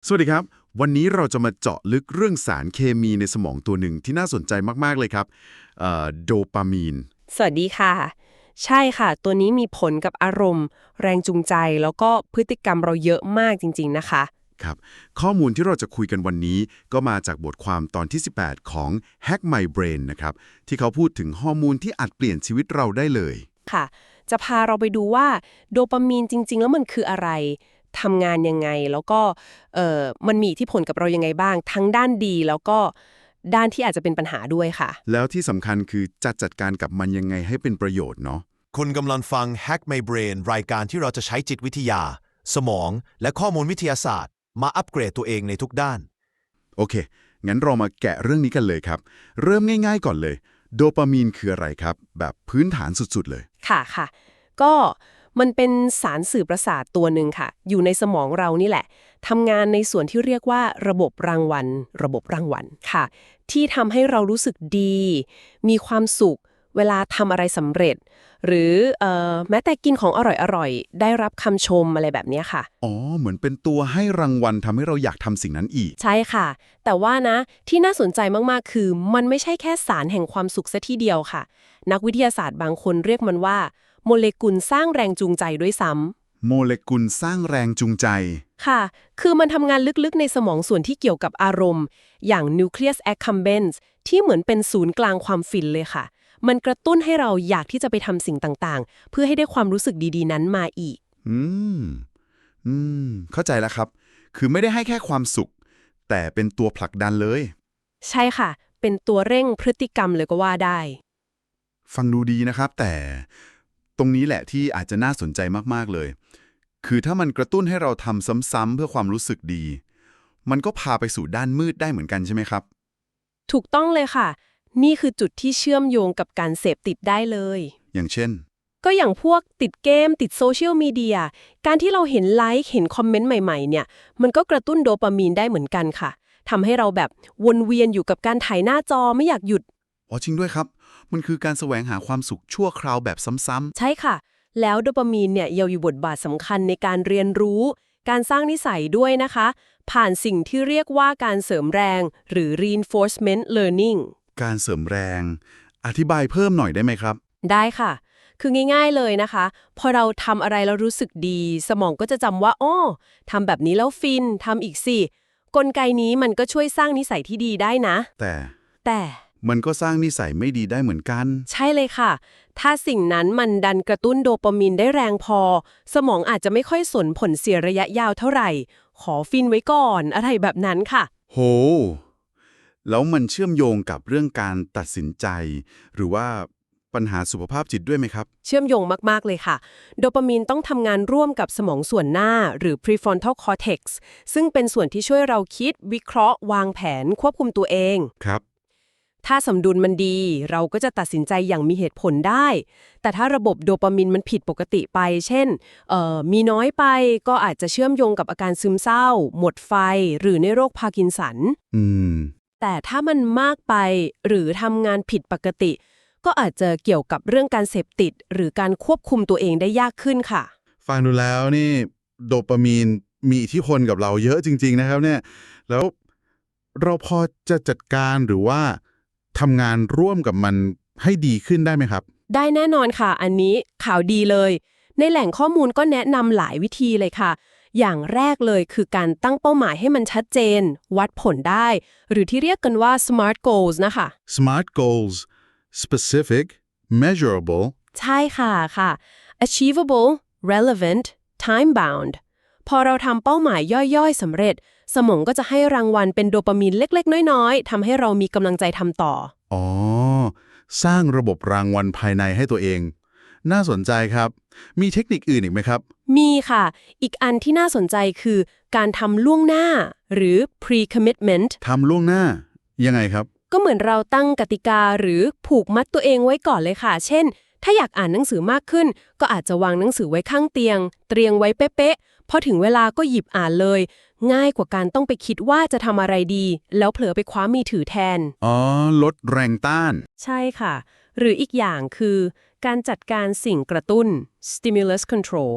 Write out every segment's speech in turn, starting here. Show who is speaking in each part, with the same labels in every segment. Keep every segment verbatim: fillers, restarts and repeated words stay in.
Speaker 1: สวัสดีครับวันนี้เราจะมาเจาะลึกเรื่องสารเคมีในสมองตัวหนึ่งที่น่าสนใจมากๆเลยครับเอ่อโดปามีน
Speaker 2: สวัสดีค่ะใช่ค่ะตัวนี้มีผลกับอารมณ์แรงจูงใจแล้วก็พฤติกรรมเราเยอะมากจริงๆนะคะ
Speaker 1: ครับข้อมูลที่เราจะคุยกันวันนี้ก็มาจากบทความตอนที่สิบแปดของ Hack My Brain นะครับที่เขาพูดถึงฮอร์โมนที่อาจเปลี่ยนชีวิตเราได้เลย
Speaker 2: ค่ะจะพาเราไปดูว่าโดปามีนจริงๆแล้วมันคืออะไรทำงานยังไงแล้วก็เอ่อมันมีอิทธิพลกับเรายังไงบ้างทั้งด้านดีแล้วก็ด้านที่อาจจะเป็นปัญหาด้วยค่ะ
Speaker 1: แล้วที่สำคัญคือจะจัดการกับมันยังไงให้เป็นประโยชน์เนาะ
Speaker 3: คุณกำลังฟัง Hack My Brain รายการที่เราจะใช้จิตวิทยา สมอง และข้อมูลวิทยาศาสตร์ มาอัปเกรดตัวเองในทุกด้าน
Speaker 1: โอเคงั้นเรามาแกะเรื่องนี้กันเลยครับเริ่มง่ายๆก่อนเลยโดปามีนคืออะไรครับแบบพื้นฐานสุดๆเลย
Speaker 2: ค่ะค่ะก็มันเป็นสารสื่อประสาทตัวหนึ่งค่ะอยู่ในสมองเรานี่แหละทำงานในส่วนที่เรียกว่าระบบรางวัลระบบรางวัลค่ะที่ทำให้เรารู้สึกดี มีความสุขเวลาทำอะไรสำเร็จ หรือเอ่อแม้แต่กินของอร่อยๆได้รับคำชมอะไรแบบเนี้ยค่ะ
Speaker 1: อ๋อเหมือนเป็นตัวให้รางวัลทำให้เราอยากทำสิ่งนั้นอีก
Speaker 2: ใช่ค่ะ แต่ว่านะที่น่าสนใจมากๆ คือมันไม่ใช่แค่สารแห่งความสุขซะทีเดียวค่ะ นักวิทยาศาสตร์บางคนเรียกมันว่าโมเลกุลสร้างแรงจูงใจด้วยซ้
Speaker 1: โมเลกุลสร้างแรงจูงใจ
Speaker 2: ำค่ะ คือมันทำงานลึกๆในสมองส่วนที่เกี่ยวกับอารมณ์ อย่าง nucleus accumbens ที่เหมือนเป็นศูนย์กลางความฟินเลยค่ะ มันกระตุ้นให้เราอยากที่จะไปทำสิ่งต่างๆ เพื่อให้ได้ความรู้สึกดีๆนั้นมาอีก
Speaker 1: อืมอืมเข้าใจแล้วครับ คือไม่ได้ให้แค่ความสุข แต่เป็นตัวผลักดันเลย
Speaker 2: ใช่ค่ะ เป็นตัวเร่งพฤติกรรมเลยก็ว่าได้
Speaker 1: ฟังดูดีนะครับ แต่ตรงนี้แหละที่อาจจะน่าสนใจมากๆเลย คือถ้ามันกระตุ้นให้เราทำซ้ำๆเพื่อความรู้สึกดี มันก็พาไปสู่ด้านมืดได้เหมือนกันใช่ไหมครับ
Speaker 2: ถูกต้องเลยค่ะ นี่คือจุดที่เชื่อมโยงกับการเสพติดได้เลย
Speaker 1: อย่างเช่น
Speaker 2: ก็อย่างพวกติดเกมติดโซเชียลมีเดีย การที่เราเห็นไลค์เห็นคอมเมนต์ใหม่ๆเนี่ย มันก็กระตุ้นโดปามีนได้เหมือนกันค่ะ ทำให้เราแบบวนเวียนอยู่กับการถ่ายหน้าจอไม่อยากหยุด
Speaker 1: อ๋อจริงด้วยครับ มันคือการแสวงหาความสุขชั่วคราวแบบซ้ำ
Speaker 2: ใช่ค่ะ แล้วโดปามีนเนี่ยยังอยู่บทบาทสำคัญในการเรียนรู้ การสร้างนิสัยด้วยนะคะ ผ่านสิ่งที่เรียกว่าการเสริมแรงหรือ reinforcement learning
Speaker 1: ๆ การเสริมแรง อธิบายเพิ่มหน่อยได้ไหมครับ
Speaker 2: ได้ค่ะ คือง่ายๆเลยนะคะ พอเราทำอะไรแล้วรู้สึกดี สมองก็จะจำว่าอ้อทำแบบนี้แล้วฟิน ทำอีกสิ กลไกนี้มันก็ช่วยสร้างนิสัยที่ดีได้นะ
Speaker 1: แต่
Speaker 2: แต่
Speaker 1: มันก็สร้างนิสัยไม่ดีได้เหมือนกัน
Speaker 2: ใช่เลยค่ะ ถ้าสิ่งนั้นมันดันกระตุ้นโดปามีนได้แรงพอ สมองอาจจะไม่ค่อยสนผลเสียระยะยาวเท่าไหร่ ขอฟินไว้ก่อน อะไรแบบนั้นค่ะ
Speaker 1: โห แล้วมันเชื่อมโยงกับเรื่องการตัดสินใจ หรือว่าปัญหาสุขภาพจิตด้วยไหมครับ
Speaker 2: เชื่อมโยงมากๆเลยค่ะ โดปามีนต้องทำงานร่วมกับสมองส่วนหน้าหรือ prefrontal cortex ซึ่งเป็นส่วนที่ช่วยเราคิด วิเคราะห์ วางแผน ควบคุมตัวเอง
Speaker 1: ครับ
Speaker 2: ถ้าสมดุลมันดี เราก็จะตัดสินใจอย่างมีเหตุผลได้ แต่ถ้าระบบโดปามีนมันผิดปกติไป เช่นเอ่อมีน้อยไปก็อาจจะเชื่อมโยงกับอาการซึมเศร้า หมดไฟ หรือในโรคพาร์กินสัน
Speaker 1: อืม
Speaker 2: แต่ถ้ามันมากไปหรือทำงานผิดปกติ ก็อาจจะเกี่ยวกับเรื่องการเสพติด หรือการควบคุมตัวเองได้ยากขึ้นค่ะ
Speaker 1: ฟังดูแล้วนี่โดปามีนมีอิทธิพลกับเราเยอะจริงๆนะครับเนี่ย แล้วเราพอจะจัดการหรือว่าทำงานร่วมกับมันให้ดีขึ้นได้ไหมครับ
Speaker 2: ได้แน่นอนค่ะ อันนี้ข่าวดีเลย ในแหล่งข้อมูลก็แนะนำหลายวิธีเลยค่ะ อย่างแรกเลยคือการตั้งเป้าหมายให้มันชัดเจน วัดผลได้ หรือที่เรียกกันว่า smart goals นะคะ
Speaker 1: Smart goals specific measurable
Speaker 2: ใช่ค่ะค่ะ achievable relevant time bound พอเราทำเป้าหมายย่อยๆสำเร็จ สมองก็จะให้รางวัลเป็นโดปามีนเล็กๆน้อยๆทำให้เรามีกำลังใจทำต่อ
Speaker 1: อ๋อ สร้างระบบรางวัลภายในให้ตัวเอง น่าสนใจครับ มีเทคนิคอื่นอีกไหมครับ
Speaker 2: มีค่ะ อีกอันที่น่าสนใจคือการทำล่วงหน้าหรือ pre-commitment
Speaker 1: ทำล่วงหน้า ยังไงครับ
Speaker 2: ก็เหมือนเราตั้งกติกาหรือผูกมัดตัวเองไว้ก่อนเลยค่ะ เช่น ถ้าอยากอ่านหนังสือมากขึ้น ก็อาจจะวางหนังสือไว้ข้างเตียง เตรียงไว้เป๊ะๆ พอถึงเวลาก็หยิบอ่านเลย ง่ายกว่าการต้องไปคิดว่าจะทำอะไรดี แล้วเผลอไปคว้ามือถือแทน
Speaker 1: อ๋อ ลดแรงต้าน
Speaker 2: ใช่ค่ะ หรืออีกอย่างคือการจัดการสิ่งกระตุ้น stimulus control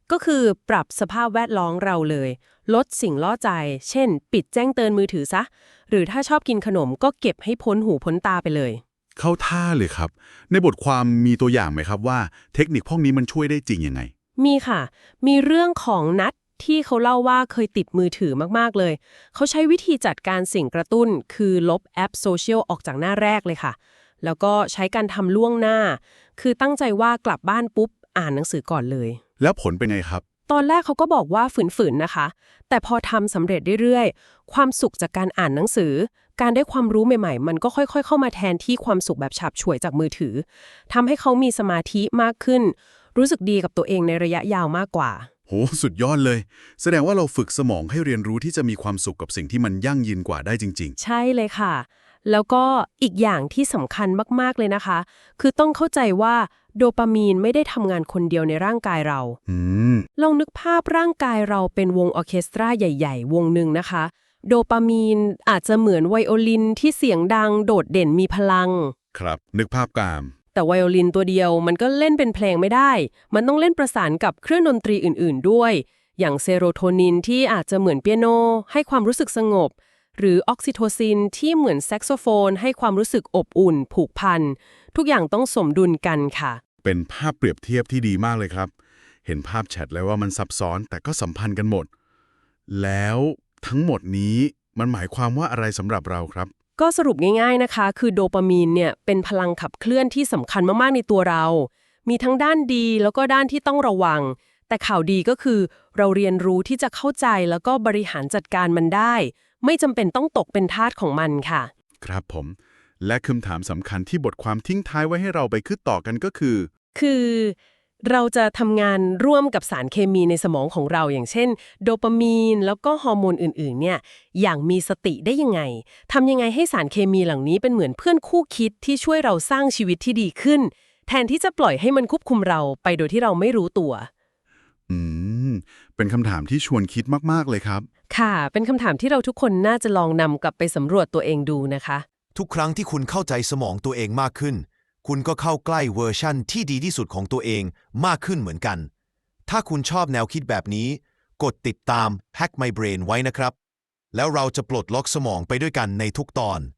Speaker 2: ก็คือปรับสภาพแวดล้อมเราเลย ลดสิ่งล่อใจ เช่น ปิดแจ้งเตือนมือถือซะ หรือถ้าชอบกินขนมก็เก็บให้พ้นหูพ้นตาไปเลย
Speaker 1: เข้าท่าเลยครับ ในบทความมีตัวอย่างไหมครับว่าเทคนิคพวกนี้มันช่วยได้จริงยังไง
Speaker 2: มีค่ะ มีเรื่องของนัดที่เขาเล่าว่าเคยติดมือถือมากๆเลย เขาใช้วิธีจัดการสิ่งกระตุ้น คือลบแอปโซเชียลออกจากหน้าแรกเลยค่ะ แล้วก็ใช้การทำล่วงหน้า คือตั้งใจว่ากลับบ้านปุ๊บอ่านหนังสือก่อนเลย
Speaker 1: แล้วผลเป็นไงครับ
Speaker 2: ตอนแรกเขาก็บอกว่าฝืนๆนะคะ แต่พอทำสำเร็จเรื่อยๆ ความสุขจากการอ่านหนังสือ การได้ความรู้ใหม่ๆ มันก็ค่อยๆ เข้ามาแทนที่ความสุขแบบฉับฉวยจากมือถือ ทำให้เขามีสมาธิมากขึ้น รู้สึกดีกับตัวเองในระยะยาวมากกว่า
Speaker 1: โห สุดยอดเลย แสดงว่าเราฝึกสมองให้เรียนรู้ที่จะมีความสุขกับสิ่งที่มันยั่งยืนกว่าได้จริง
Speaker 2: ใช่เลยค่ะ แล้วก็อีกอย่างที่สำคัญมากๆเลยนะคะ คือต้องเข้าใจว่าโดปามีนไม่ได้ทำงานคนเดียวในร่างกายเรา
Speaker 1: ๆ อืม
Speaker 2: ลองนึกภาพร่างกายเราเป็นวงออร์เคสตราใหญ่ๆ วงหนึ่งนะคะ โดปามีนอาจจะเหมือนไวโอลินที่เสียงดังโดดเด่นมีพลัง
Speaker 1: ครับ นึกภาพกาม
Speaker 2: แต่ไวโอลินตัวเดียวมันก็เล่นเป็นเพลงไม่ได้ มันต้องเล่นประสานกับเครื่องดนตรีอื่นๆด้วย อย่างเซโรโทนินที่อาจจะเหมือนเปียโนให้ความรู้สึกสงบ หรือออกซิโทซินที่เหมือนแซกโซโฟนให้ความรู้สึกอบอุ่น ผูกพัน ทุกอย่างต้องสมดุลกันค่ะ
Speaker 1: เป็นภาพเปรียบเทียบที่ดีมากเลยครับ เห็นภาพแชทเลยว่ามันซับซ้อนแต่ก็สัมพันธ์กันหมด แล้วทั้งหมดนี้มันหมายความว่าอะไรสำหรับเราครับ
Speaker 2: ก็สรุปง่ายๆนะคะ คือโดปามีนเนี่ยเป็นพลังขับเคลื่อนที่สำคัญมากๆในตัวเรา มีทั้งด้านดีแล้วก็ด้านที่ต้องระวัง แต่ข่าวดีก็คือเราเรียนรู้ที่จะเข้าใจแล้วก็บริหารจัดการมันได้ ไม่จำเป็นต้องตกเป็นทาสของมันค่ะ
Speaker 1: ครับผม และคำถามสำคัญที่บทความทิ้งท้ายไว้ให้เราไปคิดต่อกันก็คือ
Speaker 2: คือเราจะทำงานร่วมกับสารเคมีในสมองของเราอย่างเช่นโดปามีนแล้วก็ฮอร์โมนอื่นๆเนี่ยอย่างมีสติได้ยังไงทำยังไงให้สารเคมีเหล่านี้เป็นเหมือนเพื่อนคู่คิดที่ช่วยเราสร้างชีวิตที่ดีขึ้น แทนที่จะปล่อยให้มันควบคุมเราไปโดยที่เราไม่รู้ตัว
Speaker 1: อืม เป็นคำถามที่ชวนคิดมากๆเลยครับ
Speaker 2: ค่ะ เป็นคำถามที่เราทุกคนน่าจะลองนำกลับไปสำรวจตัวเองดูนะคะ
Speaker 3: ทุกครั้งที่คุณเข้าใจสมองตัวเองมากขึ้น คุณก็เข้าใกล้เวอร์ชั่นที่ดีที่สุดของตัวเองมากขึ้นเหมือนกัน ถ้าคุณชอบแนวคิดแบบนี้ กดติดตาม Hack My Brain ไว้นะครับ แล้วเราจะปลดล็อกสมองไปด้วยกันในทุกตอน